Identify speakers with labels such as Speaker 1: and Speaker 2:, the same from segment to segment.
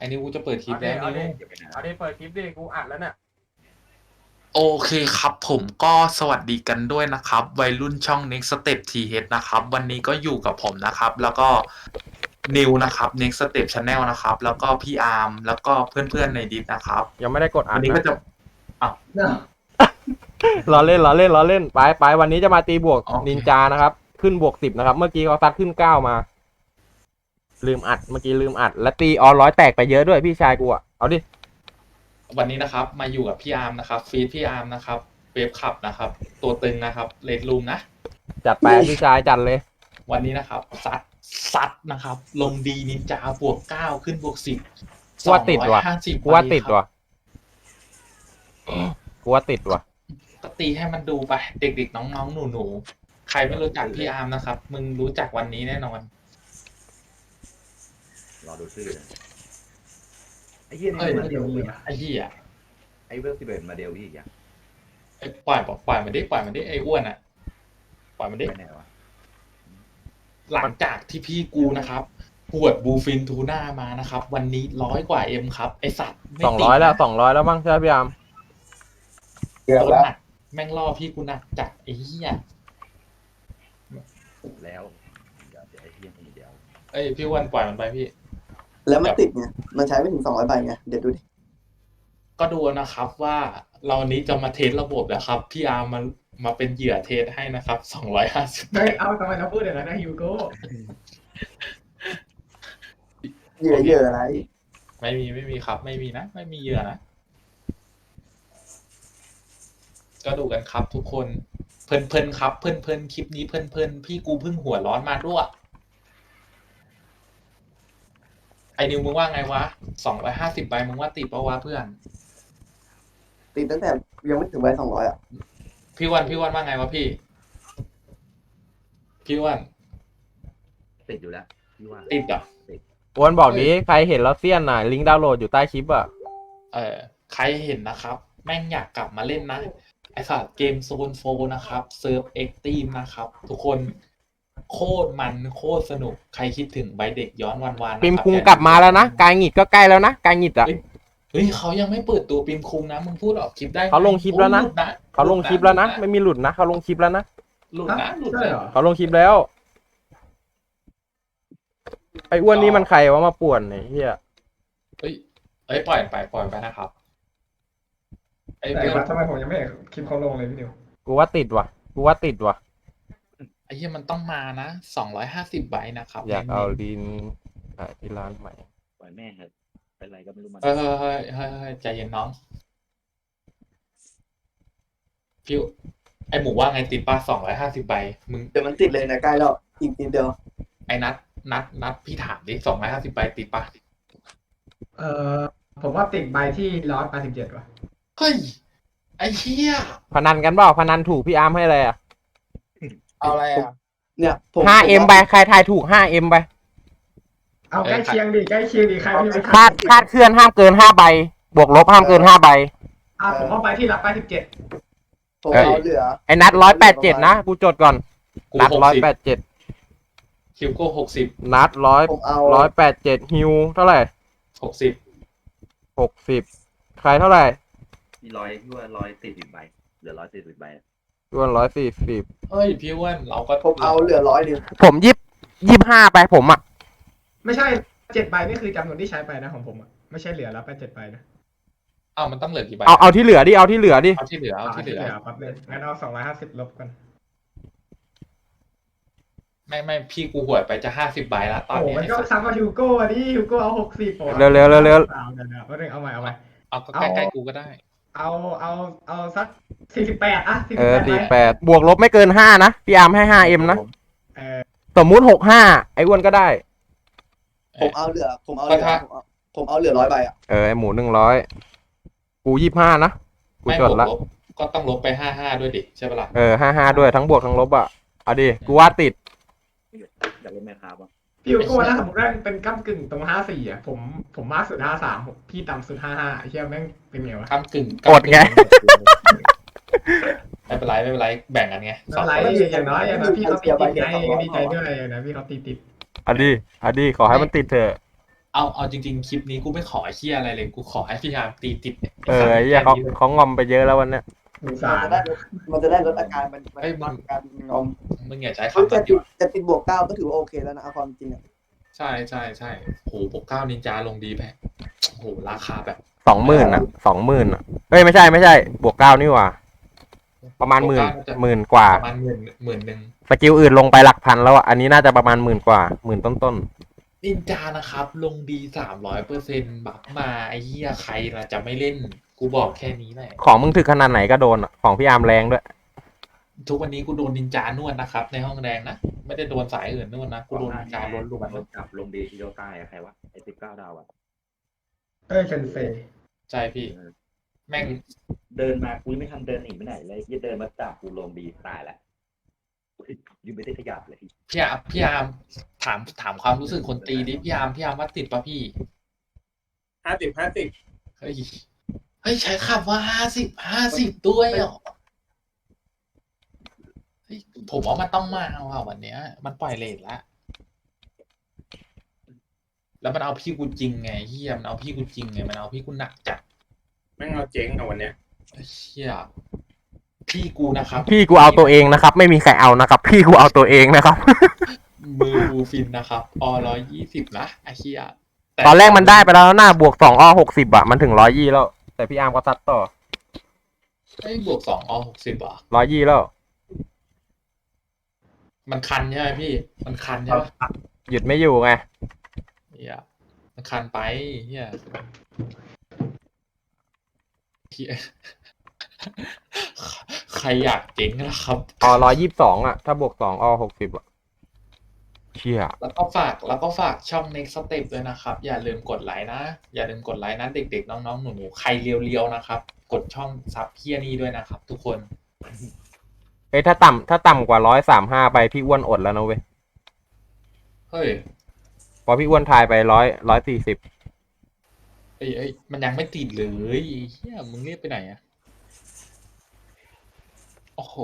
Speaker 1: อ้นี่กูจะเปิดคลิป
Speaker 2: เอาดิ
Speaker 1: แล้ว
Speaker 2: เอาดิ
Speaker 1: นิว
Speaker 2: เอาดิเปิดคลิปดิกูอัดแล้วเนี่ย
Speaker 1: โอเคครับผมก็สวัสดีกันด้วยนะครับ วัยรุ่นช่อง Next Step TH นะครับ วันนี้ก็อยู่กับผมนะครับ แล้วก็นิวนะครับ Next Step Channel นะครับ แล้วก็พี่อาร์มแล้วก็เพื่อนๆในดิสนะครับ
Speaker 3: ยังไม่ได้กดอั
Speaker 1: วั
Speaker 3: ด
Speaker 1: นนี้ก็
Speaker 3: นะ
Speaker 1: จะอ้าว
Speaker 3: ล้อเล่นล้อเล่นล้อเล่นไปวันนี้จะมาตีบวก
Speaker 1: โอเค
Speaker 3: นินจานะครับ ขึ้นบวก 10นะครับ เมื่อกี้เขาซัดขึ้น9มา ลืมอัดเมื่อกี้ลืมอัด และตีออร้อยแตกไปเยอะด้วยพี่ชายกูอ่ะเอาดิ
Speaker 1: วันนี้นะครับมาอยู่กับพี่อาร์มนะครับฟีดพี่อาร์มนะครับเวฟขับนะครับ ตัวตึงนะครับเลดลูมนะ
Speaker 3: จัดไปพี่ชายจัดเลย
Speaker 1: วันนี้นะครับซัดนะครับ ลงดีนินจาบวก9ขึ้นบวก10
Speaker 3: กูว่าติดว่ะ
Speaker 1: 250
Speaker 3: กูว่าติดว่ะกูว่าติดว่ะ
Speaker 1: ก็ตีให้มันดูไปเด็กๆน้องๆหนูๆใครไม่รู้จักพี่อาร์มนะครับมึงรู้จักวันนี้แน่นอน
Speaker 4: รอดูชื่อนะไอ้เหี้ยนี่
Speaker 1: เอ้ย
Speaker 4: มาเดียวพี่
Speaker 1: ไอ้เหี้ย
Speaker 4: ไอ้เวล11มาเดียวพี่อีกอย่าง
Speaker 1: ไอ้ปล่อยมันดิไอ้อ้วนอ่ะปล่อยมันดิ
Speaker 4: ไปไหนวะ
Speaker 1: หลังจากที่พี่กูนะครับหวดบูฟินทูน่ามานะครับ วันนี้100 กว่าเอ็มครับไอสัตว์ไม่
Speaker 3: 200แล้ว200แล้วมั้งใช่ไหมพี่อาร์ม
Speaker 1: โดนหนักแม่งล่อพี่กูหนักจัดไอ้เหี้ย
Speaker 4: แล้วเดี๋ยวไอ้เหี้ยนี่เดี๋ยว
Speaker 1: เอ้ยพี่อ้วนปล่อยมันไปพี่
Speaker 5: แล้วมันติดไงมันใช้ไม่ถึง200 ใบไง เดี๋ยวดูดิ
Speaker 1: ก็ดูนะครับว่าเรานี้จะมาเทสระบบนะครับพี่อาร์มมาเป็นเหยื่อเทสให้นะครับ250
Speaker 2: เฮ้ยเอาทำไมเราพูดอย่างนั้นนะฮิวโก้
Speaker 5: เหยื่ออะไร
Speaker 1: ไม่มีครับ ไม่มีนะไม่มีเหยื่อนะก็ดูกันครับทุกคนเพลินครับเพลินคลิปนี้เพลินพี่กูเพิ่งหัวร้อนมาด้วยไอ้นิวมึงว่าไงวะ250 ใบมึงว่าติดปะวะเพื่อน
Speaker 5: ติดตั้งแต่ยังไม่ถึงใบ200 อ่ะ
Speaker 1: พี่วันว่าไงวะพี่วัน
Speaker 4: ติดอยู่แล้วพี่ว่า
Speaker 1: ติดเหรอ
Speaker 3: อ้วนบอกดิใครเห็นแล้วเซียนน่ะลิงก์ดาวน์โหลดอยู่ใต้คลิปอ่ะ
Speaker 1: ใครเห็นนะครับ แม่งอยากกลับมาเล่นนะไอ้สัตว์เกมโซนโฟนะครับเซิร์ฟเอ็กตีมนะครับ ทุกคนโคตรมันโคตรสนุกใครคิดถึงใบเด็กย้อนวันๆนะ
Speaker 3: ปิม
Speaker 1: รับ
Speaker 3: คุงกลับมาแล้วนะกายหงิดก็ใกล้แล้วนะกายหงิดอ่ะ
Speaker 1: เฮ้ยเขายังไม่เปิดตัวปิมคุงนะมึงพูดออกคลิปได้ไง
Speaker 3: เขาลงคลิปแล้วนะ
Speaker 1: โอ้หด
Speaker 3: เขาลงคลิปแล้วนะไม่มีหลุดนะเขาลงคลิปแล้วนะ
Speaker 1: หลุดนะหลุด
Speaker 2: ใช่
Speaker 1: เลย
Speaker 2: เหรอ
Speaker 3: เขาลงคลิปแล้วไอ้อ้วนนี่มันใครวะมาป่วนไอ้เหี้ย
Speaker 1: เอ้ยปล่อยไปนะครับไอ้
Speaker 2: แต่
Speaker 1: เพื่อน
Speaker 2: ทำไมผมยังไม่เห็นคลิปเขาลงเลยพี่นิว
Speaker 3: กูว่าติดว่ะ
Speaker 1: ไอ้เหี้ยมันต้องมานะ250 ใบนะครับ
Speaker 3: อยากเอาลินที่ร้านใหม่
Speaker 4: ปล่อยแม่งเถอะเป็นไรก็ไม่รู้มัน
Speaker 1: เฮ้ยใจเย็นน้องพี่ไอหมูว่าไงติดป่ะ250 ใบมึง
Speaker 5: เดี๋ยวมันติดเลยนะใกล้แล้ว อีกนิดเดียว
Speaker 1: ไอ้นัดพี่ถามดิ250 ใบติดป่ะ
Speaker 2: ผมว่าติดใบที่187ว่ะ
Speaker 1: เฮ้ยไอ้เหี้ย
Speaker 3: พนันกันเปล่าพนันถูกพี่อาร์มให้อะไรอ่ะ
Speaker 5: เอาอะไรอ่ะ เนี่ยผม
Speaker 3: 5M ไปใครทายถูก 5M ไป
Speaker 2: เอาใกล้เคียงดิใกล้เคียงดิใครไม่
Speaker 3: คาดเคลื่อนห้ามเกิน5ใบ บวกลบห้ามเกิน5ใบ
Speaker 2: ผมเอาใบที่187
Speaker 5: ผมเอาเหลือ
Speaker 3: ไอ้นัด187นะกูจดก่อน
Speaker 1: กู
Speaker 3: นัด
Speaker 1: 60คิวโก้60
Speaker 3: 187นัด
Speaker 5: ผมเอา
Speaker 3: 187ฮิวเท่าไหร่
Speaker 1: 60
Speaker 3: 60ใครเท่าไหร่
Speaker 4: มีพี่ว่า140ใบเหลือ140ใบ
Speaker 3: ส่วน140
Speaker 1: เฮ้ยพี่อ้วนเราก็
Speaker 5: ผมเอาเหลือ100 เดียว
Speaker 3: ผม25ไปผมอ่ะ
Speaker 2: ไม่ใช่7ใบนี่คือจำนวนที่ใช้ไปนะของผมอ่ะไม่ใช่เหลือ187ใบนะ
Speaker 1: อ้าวมันต้องเหลือกี่ใบ
Speaker 3: เอาที่เหลือดิเอาที่เหลือดิ
Speaker 1: เอาที่เหลือ
Speaker 2: แป๊บนึงงั้นเอา250ลบกัน
Speaker 1: ไม่พี่กูหวยไปจะ50 ใบแล้วตอน
Speaker 2: โอ้
Speaker 1: นี้
Speaker 2: มันก็ซ้ำกับฮิวโก้อ่ะดิฮิวโก้เอา60ผม
Speaker 3: เร็ว
Speaker 2: เดี๋ยวเอาใหม่
Speaker 1: เอาก็ใกล้ๆกูก็ได้
Speaker 2: เอาสัก48อ่ะ
Speaker 3: 48บวกลบไม่เกิน5นะพี่อาร์มให้ 5M นะ
Speaker 2: เออ
Speaker 3: สมมุติ65ไอ้อ้วนก็ได้
Speaker 5: ผมเอาเหลือผมเอาเหลือ100 ใบอ่ะ
Speaker 3: ไอ้หมู100กู25นะกู
Speaker 1: ไม่
Speaker 3: จ
Speaker 1: บ
Speaker 3: ด
Speaker 1: วก
Speaker 3: ละ
Speaker 1: ลบก็ต้องลบไป55ด้วยดิใช่ปะล่ะ
Speaker 3: 55ด้วยทั้งบวกทั้งลบอ่ะเอาดิกูว่าติด
Speaker 4: อยากเล่นแม่ค้าป่ะ
Speaker 2: ฮิวโก้ถ้าสมมติว่าเป็นก้ากึ่งตรง54อ่ะผมมากสุด53พี่ต่ำสุด55ไอ้เหี้ยแม่งเป็นไงวะ
Speaker 1: กำกึ่ง
Speaker 3: อดไง
Speaker 1: ไม่เป็นไรแบ่งกันไง
Speaker 2: ไม่เป็นไรอย่างน้อยพี่เขาตีติดไงดีใจด้วยนะพี่เขาตีติด
Speaker 3: เอาดิขอให้มันติดเถอะ
Speaker 1: เอาจริงๆคลิปนี้กูไม่ขอเฮียอะไรเลยกูขอให้พี่อาร์มตีติด
Speaker 3: ไอ้เหี้ยเขางอมไปเยอะแล้ววันเนี้ย
Speaker 2: สงสาร
Speaker 5: มันจะได้ลดอาการมัน
Speaker 1: เอ้ยมึ
Speaker 5: ล
Speaker 1: ง
Speaker 5: ดการงอม
Speaker 1: มึงอย่าใช้
Speaker 5: เขา
Speaker 1: คำ
Speaker 5: จะ
Speaker 1: นั้น
Speaker 5: ติ
Speaker 1: ดิ
Speaker 5: ดจะติดบวก 9ก็ถือว่าโอเคแล้วนะเอาความจริงอ่ะ
Speaker 1: ใช่โหปกเก้านินจาลงดีไปโหราคาแบบ
Speaker 3: 20,000 อ่ะ 20,000 อ่ะเฮ้ยไม่ใช่บวก 9 นี่หว่าประมาณหมื่นกว่า
Speaker 1: ประมาณหมื่นหนึ่ง
Speaker 3: สกิลอื่นลงไปหลักพันแล้วอ่ะอันนี้น่าจะประมาณ10,000 กว่าต้น
Speaker 1: นินจานะครับ ลงดี300%บัฟมาไอ้เหี้ยใครล่ะจะไม่เล่น กูบอกแค่นี้แหละ
Speaker 3: ๆของมึงถึกขนาดไหนก็โดนอะของพี่อาร์มแรงด้วย
Speaker 1: ทุกวันนี้กูโดนนินจานวดนะครับ ในห้องแดงนะ ไม่ได้โดนสายอื่นนวดนะ กูโดนนินจาล้วนๆ
Speaker 4: รถกับลงดีที่โดใต้อะใครวะไอ้19 ดาวอะ
Speaker 2: เซนเซ
Speaker 1: ใช่พี่ แม่ง
Speaker 4: เดินมากูยังไม่ทันเดินหนีไปไหนเลยยี่เดินมาจับกูลงดีตายแล้วยังไม่ได้ขยับเลย
Speaker 1: พี่อาร์มถามความรู้สึกคนตีดิพี่อาร์มว่าติดปะพี่
Speaker 6: 50
Speaker 1: เฮ้ยใช้คำว่า50ด้วยเหรอเฮ้ยผมว่ามันต้องมาว่ะวันเนี้ย มันปล่อยเลทละแล้วมันเอาพี่กูจริงไงเฮียมันเอาพี่กูจริงไงมันเอาพี่กูหนักจัด
Speaker 6: แม่งเอาเจ๊งเอาวันเนี้ย
Speaker 1: เฮียพี่กูนะครับ
Speaker 3: พี่กูเอาตัวเองนะครับ ไม่มีใครเอานะครับ พี่กูเอาตัวเองนะครับ
Speaker 1: มือบูฟินนะครับ120นะไอ้เฮีย
Speaker 3: ตอนแรกมันได้ไปแล้วหน้าบวก2 60 อ่ะมันถึง120แล้ว แต่พี่อาร์มก็ซัดต่อ
Speaker 1: ไอ้บวก2 60อ่ะ
Speaker 3: 120แล้ว
Speaker 1: มันคันใช่ไหมพี่ มันคันใช่ปะ
Speaker 3: หยุดไม่อยู่ไง
Speaker 1: เฮียมันคันไปเฮียเฮีย ใครอยากเจ๋งนะครับ
Speaker 3: 122 อ่ะ ถ้าบวก2 60 อ่ะ เชี่ย
Speaker 1: แล้วก็ฝากช่อง Next Step ด้วยนะครับ อย่าลืมกดไลค์นะ อย่าลืมกดไลค์นะเด็กๆ น้องๆ หนูๆ ใครเลียวๆ นะครับ กดช่องซับเฮียนี่ด้วยนะครับ ทุกคน
Speaker 3: เฮ้ยถ้าต่ำกว่า135ไปพี่อ้วนอดแล้วนะเว้ย
Speaker 1: เฮ้ย
Speaker 3: พอพี่อ้วนทายไป140
Speaker 1: เอ้ยมันยังไม่ติดเลยเฮียมึงเรียกไปไหนอะโอ้โห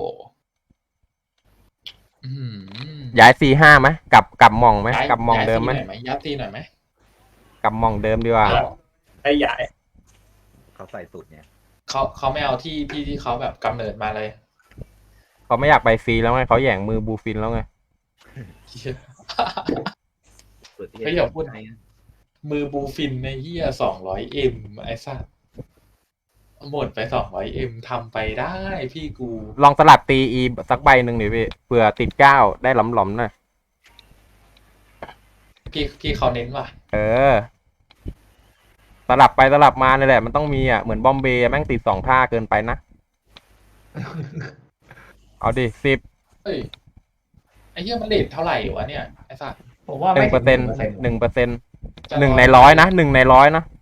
Speaker 3: ย้าย C5 ไหมกลับหมองไหมกลับหมองเดิมไหม
Speaker 1: ย้ายตีหน่อยไหม
Speaker 3: กลับหมองเดิมดีกว่า
Speaker 6: ไอ้ใหญ่
Speaker 4: เขาใส่สุดเนี่ย
Speaker 1: เขาไม่เอาที่เขาแบบกำเนิดมาเลย
Speaker 3: เขาไม่อยากไปฟรีแล้วไงเขาแหย่งมือบูฟินแล้วไง
Speaker 1: เหี้ย
Speaker 4: สุดที่
Speaker 1: เฮ้ยอย่าพูด มือบูฟินในเฮีย200M ไอ้สัสหมดไป200M ทำไปได้พี่กู
Speaker 3: ลองสลับตีอีสักใบหนึ่งดิพี่เผื่อติด9ได้หลอมๆหน่อย
Speaker 1: พี่เขาเน้นว่ะ
Speaker 3: สลับไปสลับมาเนี่ยแหละมันต้องมีอ่ะเหมือนบอมเบย์แม่งติด2 ท่าเกินไปนะ เอาดิ10
Speaker 1: เฮ้ยไอ้เฮียมันเลทเท่าไหร่วะเนี่ยไอ้สัส
Speaker 2: ผมว่า
Speaker 3: 1%
Speaker 2: ไม่ถึง
Speaker 3: 1% 1 ใน 100นะ1 ใน 100นะ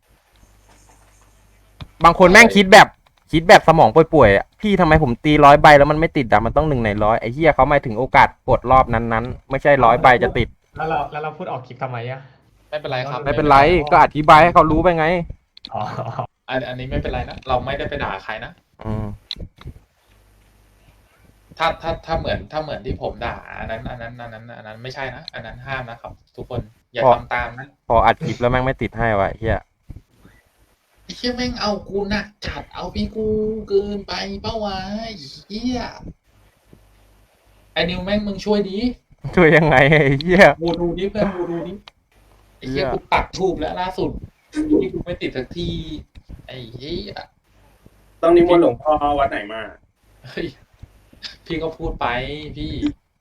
Speaker 3: บางคนแม่งคิดแบบสมองป่วยๆอ่ะพี่ทำไมผมตี100 ใบแล้วมันไม่ติดอ่ะมันต้อง1 ใน 100ไอ้เหี้ยเขาหมายถึงโอกาสกดรอบนั้นๆไม่ใช่100 ใบจะติด
Speaker 2: แล้วเราพูดออกคลิปทำไมอะ
Speaker 1: ไม่เป็นไรครับ
Speaker 3: ไม่เป็นไรก็อธิบายให้เขารู้ไปไง
Speaker 2: อ๋อ
Speaker 1: อันนี้ไม่เป็นไรนะเราไม่ได้ไปด่าใครนะ
Speaker 3: อืม
Speaker 1: ถ้าเหมือนที่ผมด่าอันนั้นไม่ใช่นะอันนั้นห้ามนะครับ ทุกคนอย่าทำตามนะ
Speaker 3: พออัดคลิปแล้วแม่งไม่ติดให้วะเหี้ย
Speaker 1: ไอ้เฮียแม่งเอากูหนักจัดเอาพี่กูเกินไปเป้าวะไอ้เฮียไอ้นิวแม่งมึงช่วยดี
Speaker 3: ช่วยยังไงไอ้เหี้ย
Speaker 1: กูดูดิเพื่อนกูดูดิไอ้เฮียกูปักทูบแล้วล่าสุดที่กูไม่ติดสักทีไอ้เฮีย
Speaker 6: ต้องนิมนต์หลวงพ่อวัดไหนมา
Speaker 1: เฮ้ยพี่ก็พูดไปพี่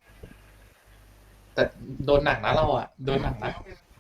Speaker 1: แต่โดนหนักนะเราอ่ะโดนหนักนะ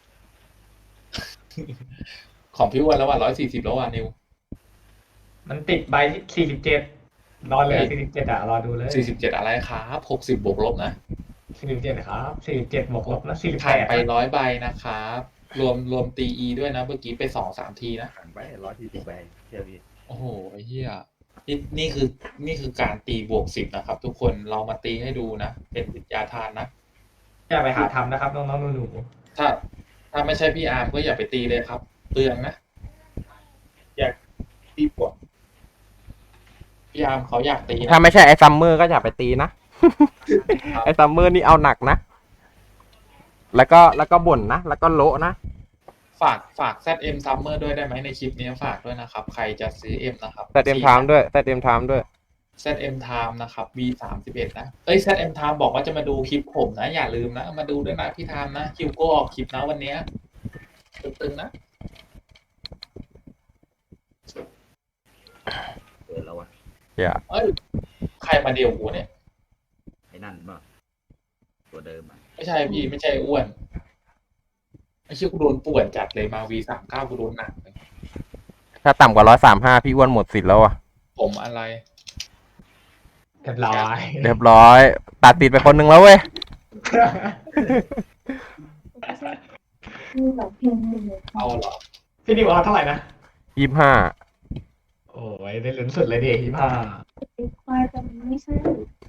Speaker 1: ของพี่อ้วันแล้ว140แล้วนิว
Speaker 2: มันติดใบ47รอเลย47อะรอดูเลย
Speaker 1: 47อะไรครับ60บวกลบนะ
Speaker 2: 47ครับ47บวกลบนะ
Speaker 1: ผ่านไป
Speaker 2: 48
Speaker 1: 100 ใบนะครับ รวมตีอีด้วยนะเมื่อกี้ไป2-3 ทีนะ
Speaker 4: ผ่านไป140 ใบเที่ยวนี้
Speaker 1: โอ้โหไอ้เหี้ยนี่คือการตีบวก10นะครับ ทุกคนเรามาตีให้ดูนะเป็นวิทยาทานนะ
Speaker 2: อย่าไปหาทำนะครับน้องๆหนู
Speaker 1: ถ้าไม่ใช่พี่อาร์มก็อย่าไปตีเลยครับเปลืองนะ
Speaker 6: ตีปวด
Speaker 1: พี่อาร์มเขาอยากตีนะ
Speaker 3: ถ้าไม่ใช่ไอ้ซัมเมอร์ก็อย่าไปตีนะ ไอ้ซัมเมอร์นี่เอาหนักนะ แล้วก็บ่นนะแล้วก็โละนะ
Speaker 1: ฝาก ZM Summer ด้วยได้ไหมในคลิปนี้ฝากด้วยนะครับ ใครจะซื้อ M นะครับ
Speaker 3: แต่เต็มไทม์ด้วยแต่เต็มไทม์ด้วย
Speaker 1: ZM Time นะครับ V31 นะ เอ้ย ZM Time บอกว่าจะมาดูคลิปผมนะ อย่าลืมนะ มาดูด้วยนะพี่ไทม์นะคิวโก้ออกคลิปนะวันเนี้ยตึงๆนะ
Speaker 4: เปิดแล้ววะ
Speaker 3: อย่า
Speaker 1: เอ้ย ใครมาเดียวกูเนี่ย
Speaker 4: ไอ้นั่นป่ะตัวเดิมอ่ะ
Speaker 1: ไม่ใช่พี่ไม่ใช่อ้วนไอ้เชี่ยกูโดนป่วนจัดเลยมา V39 กูโดนหนักเลย
Speaker 3: ถ้าต่ำกว่า135พี่อ้วนหมดสิทธิ์แล้วอ่ะ
Speaker 1: ผมอะไร
Speaker 2: เรียบร้อย
Speaker 3: เรียบร้อย ตัดติดไปคนหนึ่งแล้วเว้ย
Speaker 1: เอาเหรอ
Speaker 2: พี่นิวเอาเท่าไหร่นะ
Speaker 3: 25
Speaker 2: โอ้ยได้ลุ้นสุดเลยดิพี่ผ้า
Speaker 7: ควายแต่มันไม่ใช่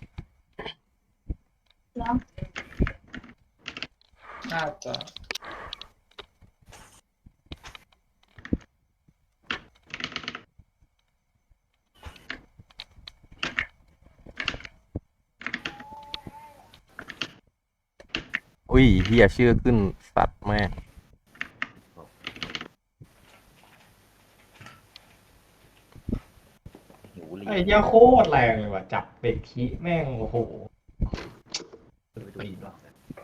Speaker 7: เหรอ
Speaker 1: น่าจะ
Speaker 3: อุ้ยเฮียชื่อขึ้นสัตว์แม่ง
Speaker 4: หิวลี
Speaker 2: ไอ้เหี้ยโคตรแรงเลยว่ะจับเด็กทีแม่งโอ้โห
Speaker 4: ไปดูอีกรอบ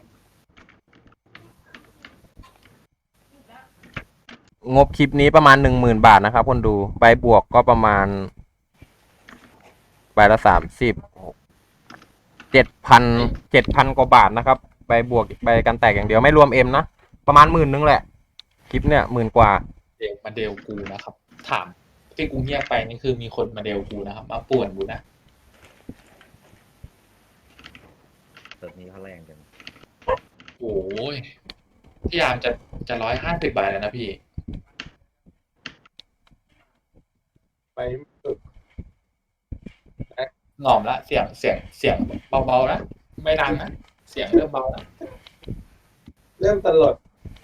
Speaker 3: งบคลิปนี้ประมาณ 10,000 บาทนะครับคนดูใบบวกก็ประมาณใบละ30 7,000 กว่าบาทนะครับใบบวกใบกันแตกอย่างเดียวไม่รวมเอ็มนะ ประมาณ10,000 นึงแหละ คลิปเนี่ย10,000 กว่า
Speaker 1: เดลมาเดลกูนะครับ ถามที่กูเงียบไปนี่คือมีคนมาเดลกูนะครับ มาป่วนกูนะ
Speaker 4: เติมนี้เขาแรงจัง
Speaker 1: โอ้ยพี่ยามจะ150 ใบแล้วนะพี่
Speaker 6: ไปสุด
Speaker 1: หน่อมละเสียงเบาๆนะไม่ดังนะเสียงเริ่มเบาแล้ว
Speaker 6: เริ่มตลด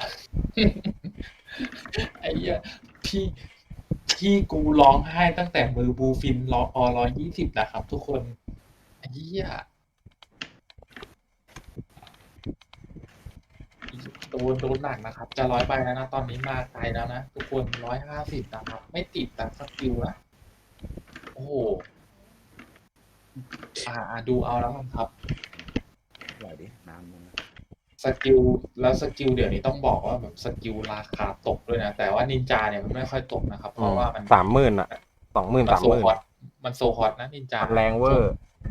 Speaker 1: ไอ้เหี้ยพี่กูร้องไห้ตั้งแต่มือบูฟิน120นะครับทุกคนไอ้เหี้ยโดนหนักนะครับ จะ100 ใบแล้วนะตอนนี้มาไกลแล้วนะทุกคน150นะครับ ไม่ติดแต่สกิลนะโอ้โหดูเอาแล้วกันครับ
Speaker 4: อร่อยดิน้ำมันนะ
Speaker 1: สกิลแล้วสกิลเดี๋ยวนี้ต้องบอกว่าแบบสกิลราคาตกด้วยนะ แต่ว่านินจาเนี่ยมันไม่ค่อยตกนะครับ เพราะว่ามัน
Speaker 3: 30,000 อ่ะ 20,000
Speaker 1: มันโซฮอต
Speaker 3: 30,000
Speaker 1: มันโซฮอตนะนินจา
Speaker 3: แรงเวอร์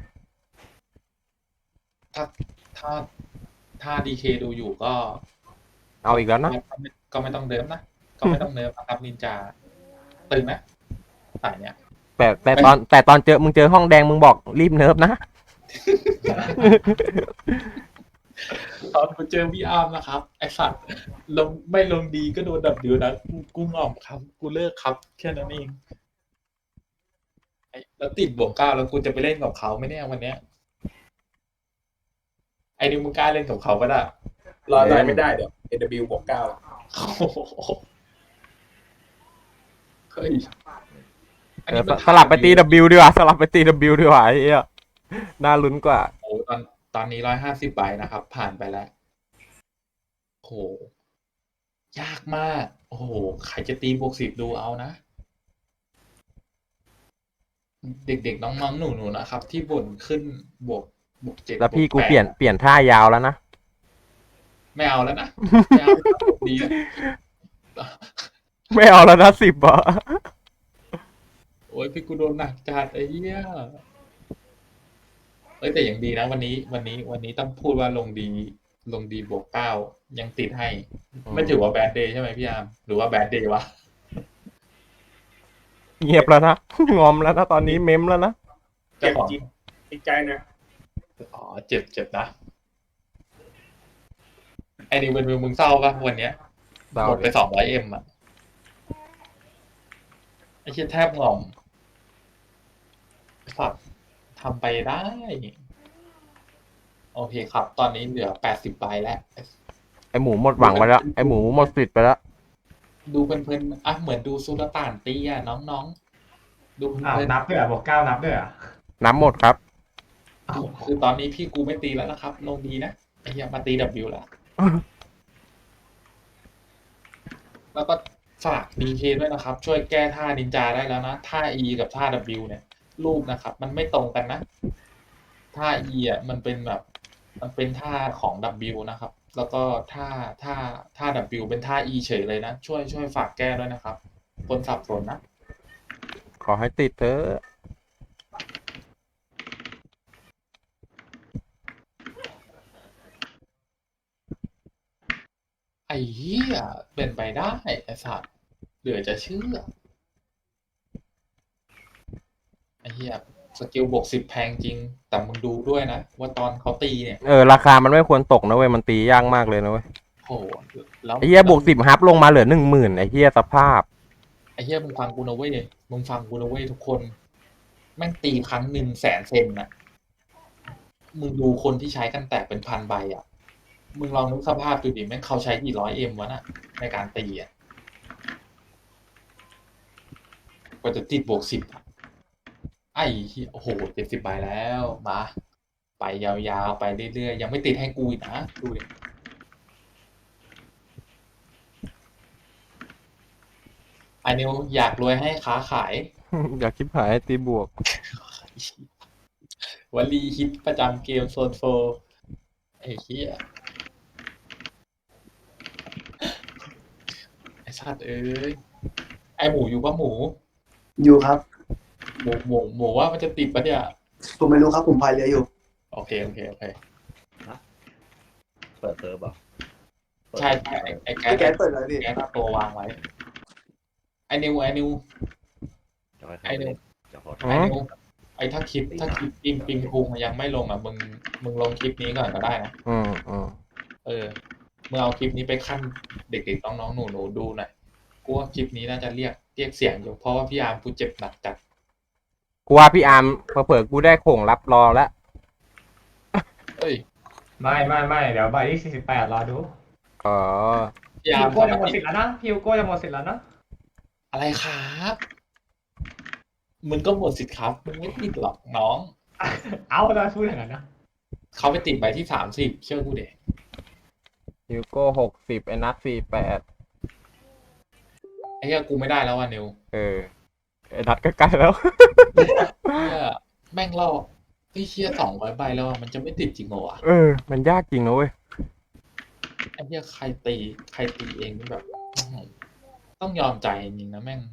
Speaker 1: ถ้าดีเคดูอยู่ก็
Speaker 3: เอาอีกแล้วนะ
Speaker 1: ก็ไม่ต้องเดิมนะ ก็ไม่ต้องเดิมนะครับนินจาตึงนะสายเนี้ย
Speaker 3: แต่ตอนมึงเจอห้องแดงมึงบอกรีบเนิร์ฟนะ
Speaker 1: ตอนกูเจอพี่อาร์มนะครับไอสัตว์ไม่ลงดีก็โดนดับดิวนะกูงอมครับ กูเลิกครับ แค่นั้นเองแล้วติดบวก9แล้วกูจะไปเล่นกับเขาไหมเนี่ยวันเนี้ยไอ้นิวมึงกล้าเล่นกับเขาปะล่ะ
Speaker 6: รอได้ไม่ได้เดี๋ยว AW บวก9
Speaker 1: โอ้โหเฮ้ยอันนี้มัน
Speaker 3: สลับไปตี W ดีกว่าสลับไปตี W ดีกว่าไอ้เหี้ยน่าลุ้นกว่า
Speaker 1: โอ้ตอนนี้150 ใบนะครับ ผ่านไปแล้วโอ้โหยากมาก โอ้โหใครจะตีบวก10ดูเอานะ เด็กๆน้องๆหนูๆนะครับ ที่บ่นขึ้นบวก7
Speaker 3: แล้วพี่กู
Speaker 1: บว
Speaker 3: เปลี่ยนท่ายาวแล้วนะ
Speaker 1: ไม่เอาแล้วนะไม่เอาแล้วดีนะ
Speaker 3: ไม่เอาแล้วนะ10อ่ะ
Speaker 1: โอ้ยพี่กูโดนหนักจัดไอ้เหี้ยเอ้ยแต่อย่างดีนะ วันนี้ต้องพูดว่าลงดีบวก9ยังติดให้ ไม่ถือว่าแบดเดย์ใช่ไหมพี่อาร์มหรือว่าแบดเดย์วะ
Speaker 3: เงียบแล้วนะ งอมแล้วนะตอนนี้เมมแล้วนะ
Speaker 6: เจ็บจริงดีใจนะ
Speaker 1: อ๋อเจ็บนะไอ้นิวเป็นมึงเศร้าปะวันเนี้ยหมดไป200Mอ่ะไอ้เชี่ยแทบงอมสัตว์ทำไปได้ โอเคครับ ตอนนี้เหลือ80 ใบแล้ว
Speaker 3: ไอหมูหมดหวังไปแล้วไอหมูหมดสิทธิ์ไปแล้ว
Speaker 1: ดูเพลินๆอ่ะเหมือนดูสุลต่านตีอ่ะน้องๆดูเพ
Speaker 2: อ้าว
Speaker 1: ลิน
Speaker 2: นับด้วยเหรอบวก9นับด้วยเหรอ
Speaker 3: น้ำหมดครับ
Speaker 1: ๆคือตอนนี้พี่กูไม่ตีแล้วนะครับ ลงดีนะไอ้เหี้ยมาตี W แล้วแล้วก็ฝาก DK ด้วยนะครับ ช่วยแก้ท่านินจาได้แล้วนะ ท่า E กับท่า W เนี่ยรูปนะครับ มันไม่ตรงกันนะ ท่า E อ่ะมันเป็นแบบมันเป็นท่าของ W นะครับ แล้วก็ท่า W เป็นท่า E เฉยเลยนะ ช่วยฝากแก้ด้วยนะครับ คนสับสนนะ
Speaker 3: ขอให้ติดเถอะ
Speaker 1: ไอ้เหี้ยเป็นไปได้ไอ้สัตว์เหลือจะเชื่อไอ้เหี้ยสกิลบวก10แพงจริง แต่มึงดูด้วยนะ ว่าตอนเขาตีเนี่ย
Speaker 3: ราคามันไม่ควรตกนะเว้ยมันตียากมากเลยนะเว้ย
Speaker 1: โหแล้ว
Speaker 3: ไอ้เหี้ยบวก10ฮับลงมาเหลือ10,000ไอ้เหี้ยสภาพ
Speaker 1: ไอ้เหี้ยมึงฟังกูนะเว้ยมึงฟังกูนะเว้ยทุกคน แม่งตีครั้งหนึ่ง100,000 เซนน่ะ มึงดูคนที่ใช้กันแตกเป็นพันใบอ่ะ มึงลองนึกสภาพดูดิแม่งเขาใช้กี่ร้อยเอ็มวะน่ะ ในการตีอ่ะกว่าจะติดบวก10อ่ะ ไอ้เหี้ยโอ้โห70 ใบแล้วมา ไปยาวๆ ไปเรื่อยๆ ยังไม่ติดให้กูอีกนะ ดูดิไอ้นิวอยากรวยให้ค้าขาย
Speaker 3: อยากคิดหายตีบวก
Speaker 1: วลีฮิตประจำเกมโซนโฟไอ้เหี้ยไอ้สัตว์เอ้ยไอ้หมูอยู่ปะหมู
Speaker 5: อยู่ครับ
Speaker 1: หมูว่ามันจะติดปะเนี่ย
Speaker 5: ผมไม่รู้ครับผมพายเรืออยู่
Speaker 1: โอเค
Speaker 4: เปิดเซิร์ฟอ่ะ
Speaker 1: ใช่ไอ้แก๊
Speaker 5: พี่แก๊ส
Speaker 1: ส
Speaker 5: เปิดเลยพี่
Speaker 1: แก๊สตัววางไว้ ไอ้นิว
Speaker 4: เดี๋ยวค่อย
Speaker 1: ไอ้
Speaker 4: เข้า
Speaker 1: นิ
Speaker 4: เล
Speaker 1: วย
Speaker 4: เดี๋ยวขอ
Speaker 3: อื
Speaker 1: ไอ้
Speaker 3: ม
Speaker 1: นิวไอ้ถ้าคลิปปิงพุงยังไม่ลงอ่ะมึงลงคลิปนี้ก่อนก็ได้นะ
Speaker 3: อืม
Speaker 1: มึงเอาคลิปนี้ไปขั้นเด็กๆน้องๆหนูๆดูหน่อยกูว่าคลิปนี้น่าจะเรียกเสียงอยู่เพราะว่าพี่อาร์มกูเจ็บหนักจัด
Speaker 3: กูว่าพี่อาร์มเผลอๆกูได้โข่งรับรอแล้ว
Speaker 1: เอ้ย
Speaker 2: ไม่เดี๋ยวใบที่48รอดู
Speaker 3: อ๋อ
Speaker 1: พี่
Speaker 2: พี่
Speaker 1: อาร์ม
Speaker 2: โก้จะหมดสิทธิ์แล้วนะพี่โก้จะหมดสิทธิ์แล้วนะ
Speaker 1: อะไรครับมึงก็หมดสิทธิ์ครับมึงไม่ติดหรอกน้อง
Speaker 2: เอาแล้วพูดอย่างนั้นนะ
Speaker 1: เขาไปติดใบที่30เชื่อกูเด็
Speaker 3: ฮิวโก้60ไอ้นัท48
Speaker 1: ไอ้เหี้ยกูไม่ได้แล้วว่ะนิว
Speaker 3: ไอ้นัทก็ใกล้แล้ว
Speaker 1: เหี้ยแม่งล่อไอ้เหี้ย200 ใบแล้วอะมันจะไม่ติดจริงเหรอวะ
Speaker 3: มันยากจริงนะเว้ย
Speaker 1: ไอ้เหี้ยใครตีเองนี่แบบอื้อหือต้องยอมใจจริงๆนะแม่ง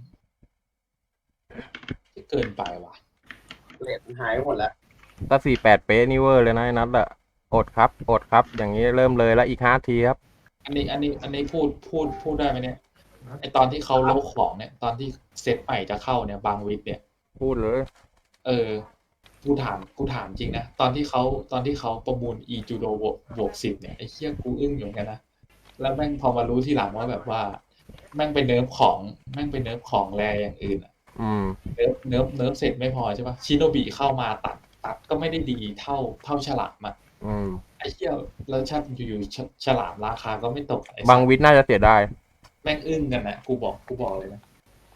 Speaker 1: เกินไปว่ะ
Speaker 6: เลทหายหมดแล้ว
Speaker 3: ถ้า48เป๊ะนี่เวอร์เลยนะไอ้นัทอะอดครับ อย่างนี้เริ่มเลยแล้วอีก5 ทีครับ
Speaker 1: อันนี้พูดได้ไหมเนี่ยไอตอนที่เขาโลกของเนี่ย ตอนที่เซตใหม่จะเข้าเนี่ยบางวิทย์เนี่ย
Speaker 3: พูดเลย
Speaker 1: กูถามจริงนะตอนที่เขาประมูลอีจูโดบวก10เนี่ยไอ้เหี้ยกูอึ้งอยู่เหมือนกันนะแล้วแม่งพอมารู้ทีหลังว่าแบบว่า แม่งไปเนิร์ฟของแรอย่างอื่นอะ
Speaker 3: อืม
Speaker 1: เนิร์ฟเสร็จไม่พอใช่ปะชิโนบิเข้ามาตัดก็ไม่ได้ดีเท่าฉลามอะ
Speaker 3: อืม
Speaker 1: ไอ้เหี้ยแล้วอยู่ๆฉลามราคาก็ไม่ตกไอ้สัส
Speaker 3: บางวิทย์น่าจะเสียดาย
Speaker 1: แม่งอึ้งกันนะกูบอกเลยนะ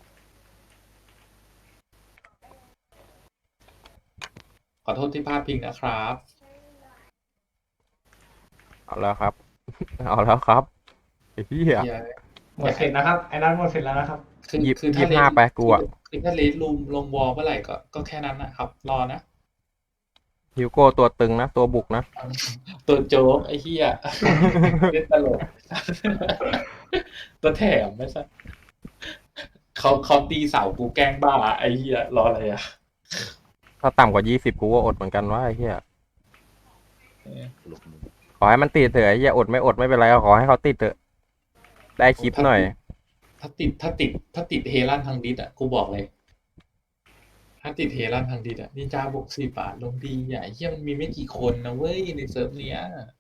Speaker 1: ขอโทษที่พลาดพิงนะครับ
Speaker 3: เอาแล้วครับ เอาแล้วครับไอ้เหี้ย
Speaker 1: เหี้ย
Speaker 2: หมดสิทธิ์นะครับไอ้นั้นหมดสิทธิ์แล้วนะครับ
Speaker 1: คือถ้า
Speaker 3: 25ไปกูอะ
Speaker 1: คือถ้าเลสลงวอลเมื่อไหร่ก็แค่นั้นนะครับ รอนะ
Speaker 3: ฮิวโก้ตัวตึงนะ ตัวบุกนะ
Speaker 1: ตัวโจ๊กไอ้เหี้ยเล่นตลก ตัวแถมไม่ใช่เขาตีเสากูแกล้งบ้าไอ้เหี้ยรออะไรอ่ะ
Speaker 3: ถ้าต่ำกว่า20กูก็อดเหมือนกันว่าไอ้เหี้ย
Speaker 4: ลุกมึง
Speaker 3: ขอให้มันติดเถอะไอ้เหี้ยอดไม่เป็นไรขอให้เขาติดเถอะ ได้คลิปหน่อย
Speaker 1: ถ้าติดเฮลั่นทางดิสอ่ะกูบอกเลย ถ้าติดเฮลั่นทางดิสอ่ะนินจาบวก10 บาทลงดีใหญ่เฮียมันมีไม่กี่คนนะเว้ยในเซิร์ฟเนี้ย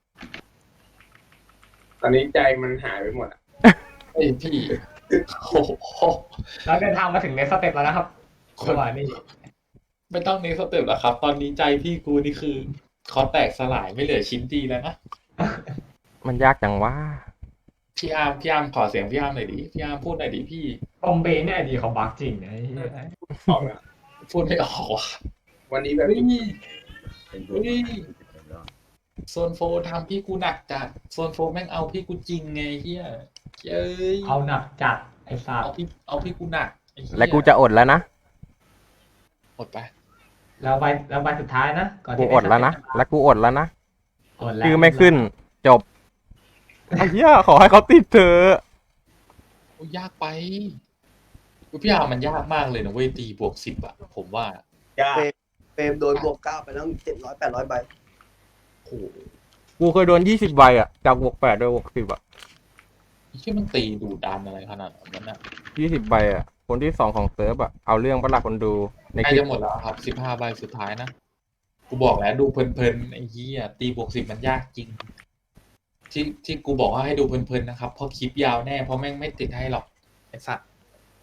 Speaker 6: ตอนนี้ใจมันหายไปหมดอะ
Speaker 1: เอ้ยพี่โอ้โห
Speaker 2: เราเดินทางมาถึงในสเต็ปแล้วนะครับ
Speaker 1: ค
Speaker 2: จั
Speaker 1: น
Speaker 2: งหวะนี้
Speaker 1: ไม่ต้องในสเต็ปหรอกครับ ตอนนี้ใจพี่กูนี่คือเขาแตกสลายไม่เหลือชิ้นดีแล้วนะ
Speaker 3: มันยากจังว่า
Speaker 1: พี่อาร์มขอเสียงพี่อาร์มหน่อยดิพี่อาร์มพูดหน่อยดิพี่
Speaker 2: บอมเบย์เนี่ยดีเขาบักจริงนะไอ้เหี้ย
Speaker 6: ออกแล้ว
Speaker 1: พูดไม่ออกว่ะ
Speaker 6: วันนี้แบบ
Speaker 1: เฮ้ย
Speaker 4: เป็นรู
Speaker 1: เฮ้ย
Speaker 4: เป็นรอบ
Speaker 1: โซนโฟทำพี่กูหนักจัดโซนโฟแม่งเอาพี่กูจริงไงเฮียเอ้ย
Speaker 2: เอาหนักจัดไอ้สัต
Speaker 1: เอา
Speaker 2: ว์
Speaker 1: พี่กูหนักไอ้เหี้ย
Speaker 3: และกูจะอดแล้วนะ
Speaker 1: อดไป
Speaker 2: แล้วใบสุดท้ายนะก่อน
Speaker 3: กู
Speaker 2: ที่
Speaker 3: อดแล้วนะ และกูอดแล้วนะ
Speaker 2: อดแล้ว
Speaker 3: ชื่อไม่ขึ้น จบไอ้เหี้ยขอให้เขาติดเถอะ
Speaker 1: โอ้ยากไปพี่อาร์มมันยากมากเลยนะเว้ยตีบวก10อ่ะ ผมว่า
Speaker 6: ยาก
Speaker 5: เฟรมโดนบวก9ไปแล้ว700-800ใบ
Speaker 1: โห
Speaker 3: กูเคยโดน20ใบอ่ะ จากบวก8โดยบวก10อ่ะ
Speaker 1: ที่มันตีดูดันอะไรขนาดนั้นน่ะ
Speaker 3: 20ใบอ่ะ คนที่2ของเซิร์ฟอ่ะ เอาเรื่องปะล่ะคนดู ใน
Speaker 1: ใกล้
Speaker 3: คลิป
Speaker 1: จะหมดแล้วครับ15ใบสุดท้ายนะ กูบอกแล้วดูเพลินๆไอ้เหี้ยตีบวก10มันยากจริง ที่กูบอกว่าให้ดูเพลินๆนะครับ เพราะคลิปยาวแน่ เพราะแม่งไม่ติดให้หรอกไอ้สัตว์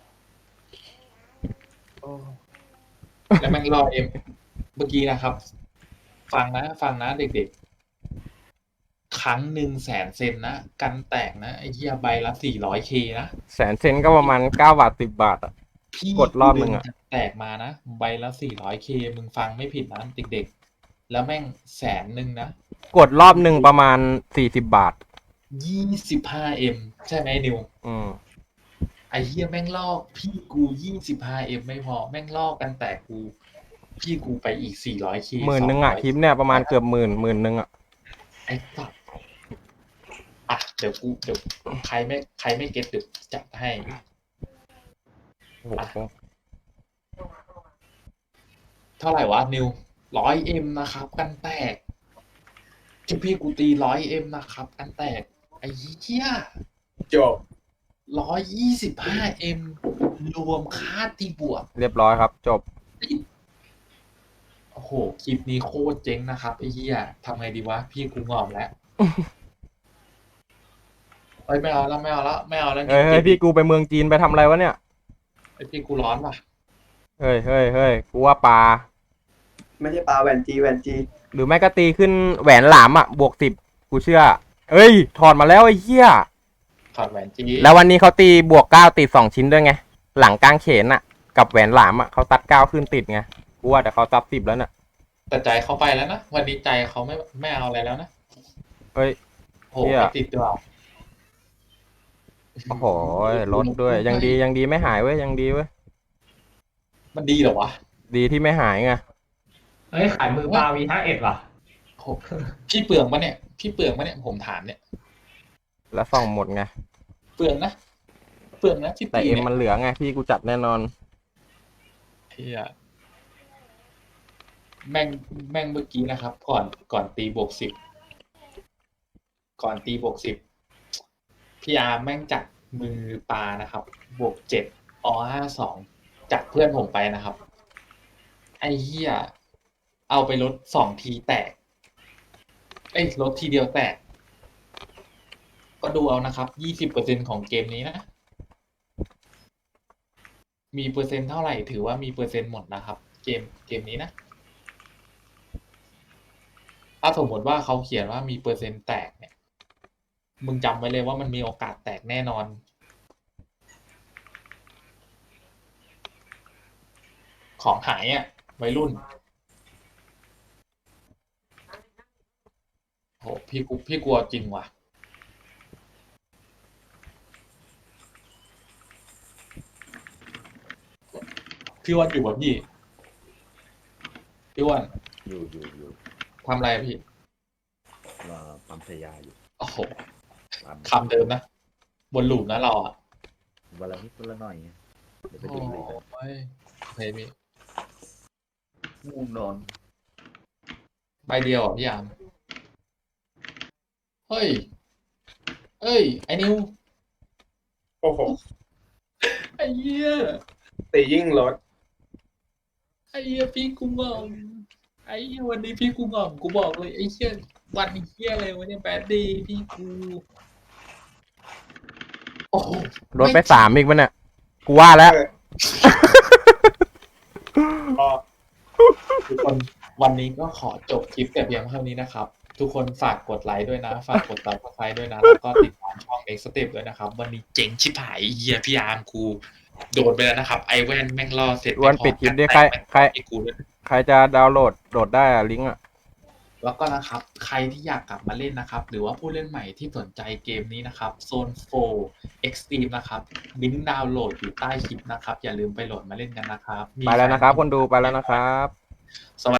Speaker 1: โอ้แล้วแม่งรอเอ็มเมื่อกี้นะครับ ฟังนะเด็กๆ ครั้งหนึ่ง100,000 เซนนะ กันแตกนะไอ้เหี้ยใบละ 400K นะ
Speaker 3: แสนเซนก็ประมาณ9 บาท 10 บาทอ่ะ
Speaker 1: พี่
Speaker 3: กดรอบหนึ่งอะ
Speaker 1: กูเดิกันแตกมานะใบละ 400K มึงฟังไม่ผิดนะเด็กๆ แล้วแม่ง100,000นะ
Speaker 3: กดรอบหนึ่งประมาณ40 บาท
Speaker 1: 25M ใช่ไหมนิว
Speaker 3: อืม
Speaker 1: ไอ้เหี้ยแม่งลอกพี่กู 25M ไม่พอแม่งลอกกันแต่กู พี่กูไปอีก 400K
Speaker 3: 10,000อ่ะ คลิปเนี่ยประมาณเกือบ10,000อ่ะ
Speaker 1: ไอ้สัตว์อ่ะเดี๋ยวใครไม่เก็ตเดี๋ยวจัดให้
Speaker 3: โอ้โห
Speaker 1: เท่าไหร่วะนิว 100M นะครับ กันแตกพี่กูตี 100M นะครับ กันแตก ไอ้เหี้ย
Speaker 6: จบ
Speaker 1: 125M รวมค่าตีบวก
Speaker 3: เรียบร้อยครับ จบ
Speaker 1: โอ้โห คลิปนี้โคตรเจ๊งนะครับไอ้เหี้ยทำไงดีวะ พี่กูงอมแล้ว เอ้ยไม่เอาแล้ว
Speaker 3: เฮ้ยพี่กูไปเมืองจีนไปทำอะไรวะเนี่ย
Speaker 1: ไอ้พี่กูร้อนว่ะ
Speaker 3: เฮ้ยกูว่าปลา
Speaker 5: ไม่ใช่ปลาแหวนจี
Speaker 3: หรือไม่ก็ตีขึ้นแหวนหลามอ่ะ บวก10 กูเชื่อ เอ้ย ถอดมาแล้วไอ้เหี้ย
Speaker 1: ถอดแหวนจี
Speaker 3: แล้ววันนี้เขาตีบวก9ติด2ชิ้นด้วยไง หลังกลางเขนอ่ะ กับแหวนหลามอ่ะเขาตัด9ขึ้นติดไง กูว่าแต่เขาตัด10แล้วน่ะ
Speaker 1: แต่ใจเขาไปแล้วนะ วันนี้ใจเขาไม่เอาอะไรแล้วนะ
Speaker 3: เฮ้ย
Speaker 1: โห
Speaker 3: เหี้ย
Speaker 1: ไม่ติดตัว
Speaker 3: โอ้โหลดด้วย ยังดีไม่หายเว้ย ยังดีเว้ย
Speaker 1: มันดีเหรอวะ
Speaker 3: ดีที่ไม่หายไง
Speaker 2: เฮ้ยขายมือปลา V51 ว่ะ
Speaker 1: โหพี่เปลืองปะเนี่ย ผมถามเนี่ย
Speaker 3: แล้วส่องหมดไง
Speaker 1: เปลืองนะที่
Speaker 3: แต่
Speaker 1: ตี
Speaker 3: เอ็ม
Speaker 1: เนี่ย
Speaker 3: มันเหลือไง พี่กูจัดแน่นอน
Speaker 1: เฮียแม่งเมื่อกี้นะครับ ก่อนตีบวก10พี่อาร์มแม่งจัดมือปลานะครับ บวก752จากเพื่อนผมไปนะครับ ไอ้เหี้ยเอาไปลด2 ทีแตก ลดทีเดียวแตก ก็ดูเอานะครับ20%ของเกมนี้นะ มีเปอร์เซ็นต์เท่าไหร่ถือว่ามีเปอร์เซ็นต์หมดนะครับ เกมนี้นะ ถ้าสมมติว่าเขาเขียนว่ามีเปอร์เซ็นต์แตกเนี่ย มึงจำไว้เลยว่ามันมีโอกาสแตกแน่นอน ของหายอ่ะวัยรุ่นโหพี่กลัวจริงว่ะ พี่อ้วันอยู่ป่ะพี่อ้วัน
Speaker 4: อยู่
Speaker 1: ทำอะไรอะพี่
Speaker 4: รอปั๊มพยาอยู่
Speaker 1: โอ้โห
Speaker 4: ปั๊ม
Speaker 1: คำเดิมนะบนหลุมนะเราอ่ะ
Speaker 4: วันละนิดวันละหน่อยไงเดี๋ยวไป
Speaker 1: โอ้
Speaker 4: ดูเลย
Speaker 1: ยโอเคพี่
Speaker 4: ง่วงนอน
Speaker 1: ใบเดียวอ่ะพี่ยามเฮ้ยไอ้นิว
Speaker 6: โอ้โห
Speaker 1: ไอ้เหี้ย
Speaker 6: ตียิ่งลด
Speaker 1: ไอ้เหี้ยพี่กูงอมไอ้เหี้ยวันนี้พี่กูงอมกูบอกเลยไอ้เหี้ยวันนี้เหี้ยอะไรวะเนี่ยแบดดี้พี่กูโอ้โห
Speaker 3: ลดไป3อีกมันเนี่ย กูว่าแล้ว
Speaker 6: พอ
Speaker 1: ทุกคนวันนี้ก็ขอจบคลิปแต่เพียงเท่านี้นะครับ ทุกคนฝากกดไลค์ด้วยนะ ฝากกดซับสไครต์ด้วยนะ แล้วก็ติดตามช่อง Next Step ด้วยนะครับ วันนี้เจ๋งชิบหายเฮียพี่อาร์มกูโดนไปแล้วนะครับ ไอแว่นแม่งล่อเสร็จ
Speaker 3: วันปิดคลิปดิใคร
Speaker 1: ไอ้กูด้วย
Speaker 3: ใครจะดาวน์โหลดได้อะลิงก์อะ
Speaker 1: ก็แล้วก็นะครับใครที่อยากกลับมาเล่นนะครับ หรือว่าผู้เล่นใหม่ที่สนใจเกมนี้นะครับ Zone 4 Extreme นะครับลิงก์ดาวน์โหลดอยู่ใต้คลิปนะครับ อย่าลืมไปโหลดมาเล่นกันนะครับ
Speaker 3: ไปแล้วนะครับคนดูไปแล้วนะครับ